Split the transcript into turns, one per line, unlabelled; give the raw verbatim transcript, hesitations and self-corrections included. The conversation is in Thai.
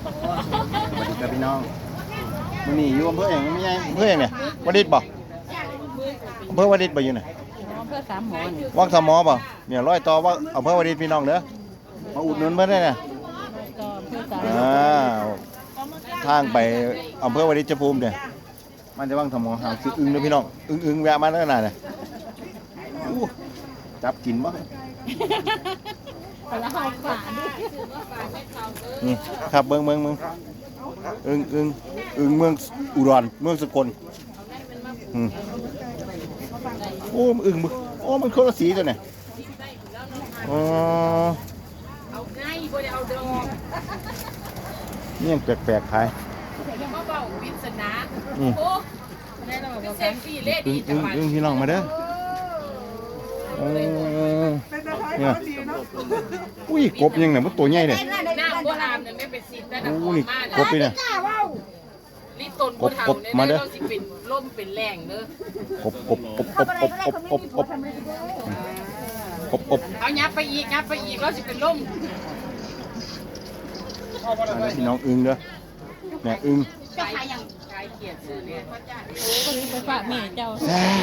สวัสดีครับพี่น้องมันนี่อยู่อำเภออย่างไม่ใช่อำเภออย่างเนี่ยวดิษฐ์บ่อำเภอวดิษฐ์บ่อยู่ไหน
เพื่อสามหมอน
วังสมอบ่เนี่ยร้อยต่อว่าอำเภอวดิษฐ์พี่น้องเด้อมาอุดหนุนเพิ่นได้น่ะ
ก็เพื่อสาม
อ่าทางไปอำเภอวดิษฐ์ภูมิเนี่ยมันจะวังสมอหางซื้ออึ้งเด้อพี่น้องอึ้งอึ้งแวะมาเด้อน่ะเนี่ยอู้จับกินบ่
แล้วเอาฝาดิ
นี่ครับเบิ่งเบิ่งเบิ่งอึ้งอึ้งอึ้งเมืองอุดรเมืองสกลอืมโอ้มันอึ้งมึกโอ้มันคนละสีตัวเนี่ยอ๋อ
เอาง่ายบ่ได้เอาดอก
นี่ยังแปลกๆขาย
มาเบาปริศนา
อืม
โอ้ได้แล้วบ่เซฟฟี่เล่
อึ้
ดี
ง
จั
อึ้
ง
ง
หวัด
อึ้งพี่น้องมาเด้อโอ้เนี่ยอุ้ยกบยังเนี่ยมันตัวใหญ่เลย
น้ำบ่อาบเนี่ยไม่เป็นสิทธิ์แต่
โอ้
น้ำ
นี่
มาก
บนี่เนี่ย
ลิตนบ่เฒ่าก
บ
เนี่ย
มาเด้อ
เราสิเป็นล่มเป็นแรงเด้อก
บกบกบกบกบกบกบกบกบกบ
เอายับไปอีกยับไปอีกเราสิเป็นล่ม
มาเด้อพี่น้องอึ้งเด้อเนี่ยอึ้ง
กายยังกายเกียดซื้อเนี่ย
ก็นี้ไปฝากแม่เจ้า
แซ่บ